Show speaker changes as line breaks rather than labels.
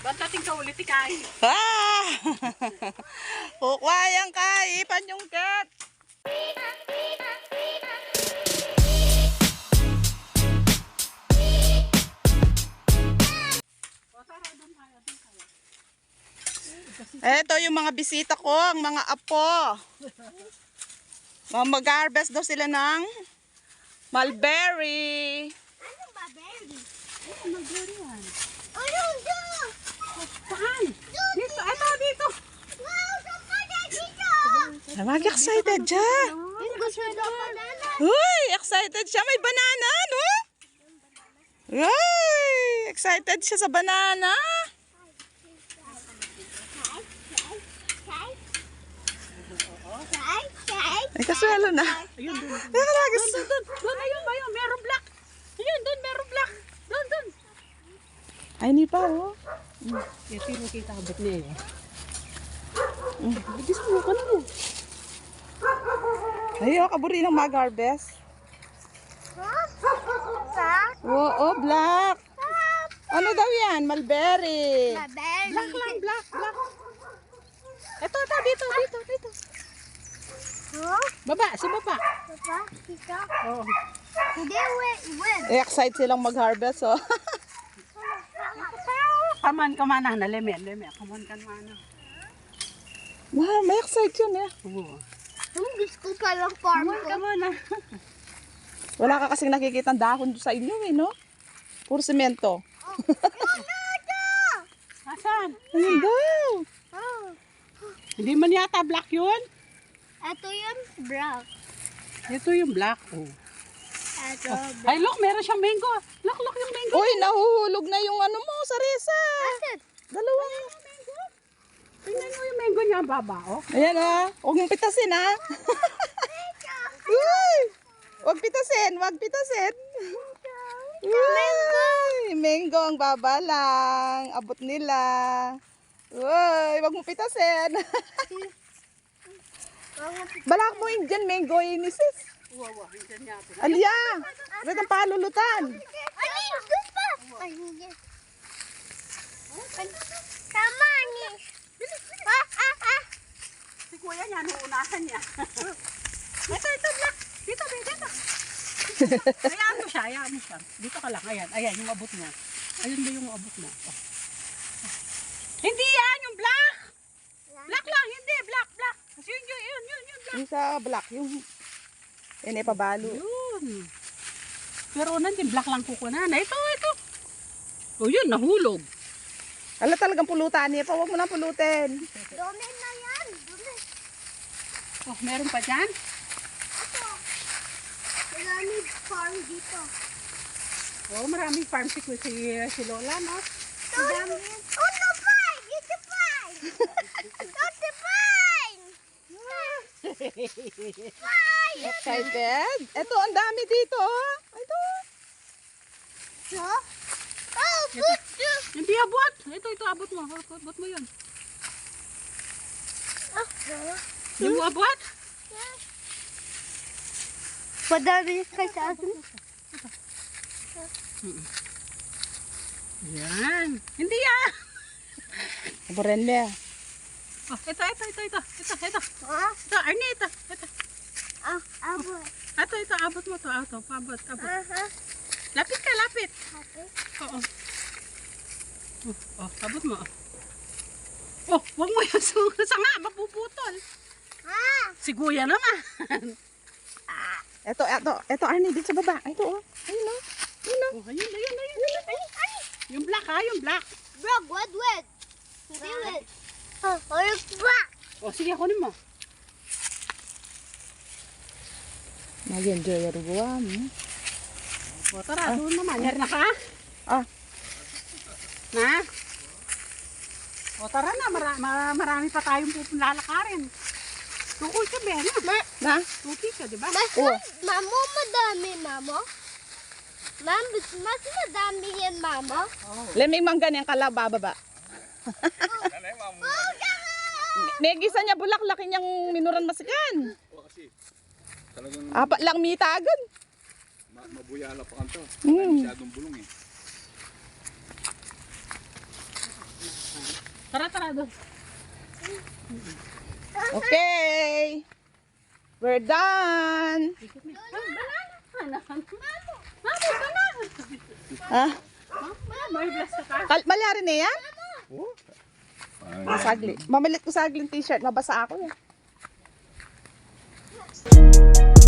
Bantating ka ulit ikay.
Ah! Kukwayang ka, ipan yung cat. Eto yung mga bisita ko, ang mga apo. Mag-harvest daw sila ng mulberry.
Ano ba, berry?
Ano mulberry yan?
Ayun, doon!
Saan? Dito, ito dito.
Wow, saan ka dito?
Mag-excited siya.
Yung gusto na banana.
Uy, excited siya. May banana, no? Uy, excited siya sa banana. Ay, kaswelo na.
Ayun, doon.
Doon,
Ayun ba yun? Meron black. Ayun, doon, meron black. Doon.
ay, ni pa, oh.
Ito yung nakita kabot niya eh. Bigis mo ka na mo.
Ay, oh, kaburi ng mag-harvest. Oo, black. Ano daw yan? Mulberry.
Black lang, black. Ito, dito. Baba, sa baba. Oo.
Hindi, wait.
Excited silang mag-harvest, oh.
Kaman na, leme. Kaman kan mana.
Wow, may excited yun, eh.
Oo.
Ang gusto ko palang farm ko.
Kaman na.
Wala ka kasing nakikita dahon sa inyo, eh, no? Puro semento.
Asan?
Ayun daw.
Oh,
Hindi man yata black yun.
ito yung brown.
Ito yung black. Oh.
Ito,
Ay, look, meron siyang mango. Look yung mango.
Uy, nahuhulog na yung ano mo, sarisa.
Asan?
Dalawang.
Tingnan mo yung mango niya, baba, oh.
Ayan, ah. Huwag mong pitasin, ah. Uy! Huwag pitasin. Uy! Mango ang baba lang. Abot nila. Uy! Huwag mong pitasin. Balak mo yung dyan, mango yun, sis.
Wawa, hindi niya ito.
Alya! Ba't ang palulutan?
Ay, doon pa! Ay, hindi. Tama ni.
Si kuya niya, nuunahan niya. Ito, black. Dito. Hayaan mo siya. Dito ka lang, ayan, yung abot mo. Ayun ba yung abot mo? Oh. Hindi yan, yung black. Black lang, hindi, black. Yun, black.
Yung sa black, yung... Yan ay pabalo.
Yun. Pero nandiyan, black lang kukunan. Ito. O yun, nahulog.
Ala talagang pulutan niya pa. Huwag mo na pulutin.
Dumi na yan. Dumi.
Oh, meron pa dyan?
Ito. Maraming farm dito.
Oh, maraming farm si Lola, no?
Dami. Oh, no, fine! It's fine! It's fine! Fine!
Excited? Ito, ang dami dito. Oh. Ito.
So? Oh, good!
Hindi abot. Ito, abot mo. Abot mo yun. Yung abot?
Madami ka sa akin.
Yan. Hindi yan.
Aburin niya.
Oh, ito.
Ha?
Ito, Arnie, ito.
Abo.
Ito, abot mo to. Abot.
Aha.
Lapit ka, lapit.
Okay.
Oo. Oh, abot mo. Oh, wag mo yung sanga, mapuputol.
Ha?
Si Kuya naman.
Ito, Arnie, dito sa baba. Ito, oh. Ayun, oh.
Oh, ayun. Yung black, yung black.
Bro, wet. Hindi wet. Oh, yung black.
Oh, sige, kunin mo.
Mag-enjoy yung rubuan.
O, tara, doon naman. Yari na ka?
Ah.
Na? O, tara na. Marami pa tayong lalakarin. Tukol ka, Ben.
Na?
Tuti ka, di ba?
Oo.
Mamo, madami, mamo. Mas madami yan, mamo.
Leming mangga niyang kalaba, baba. May gisa niya bulaklaki niyang minuran masigan.
O kasi talagang
Apat lang mitagan.
mabuyala pa kanto.
Mm.
Masyadong bulong eh.
Tara doon.
Okay. We're done.
Ikot na. Banana. Banana.
Ha?
May blast ka.
Malari na yan?
Oh.
Sagli. Mamalit ko sagli yung t-shirt. Mabasa ako yan.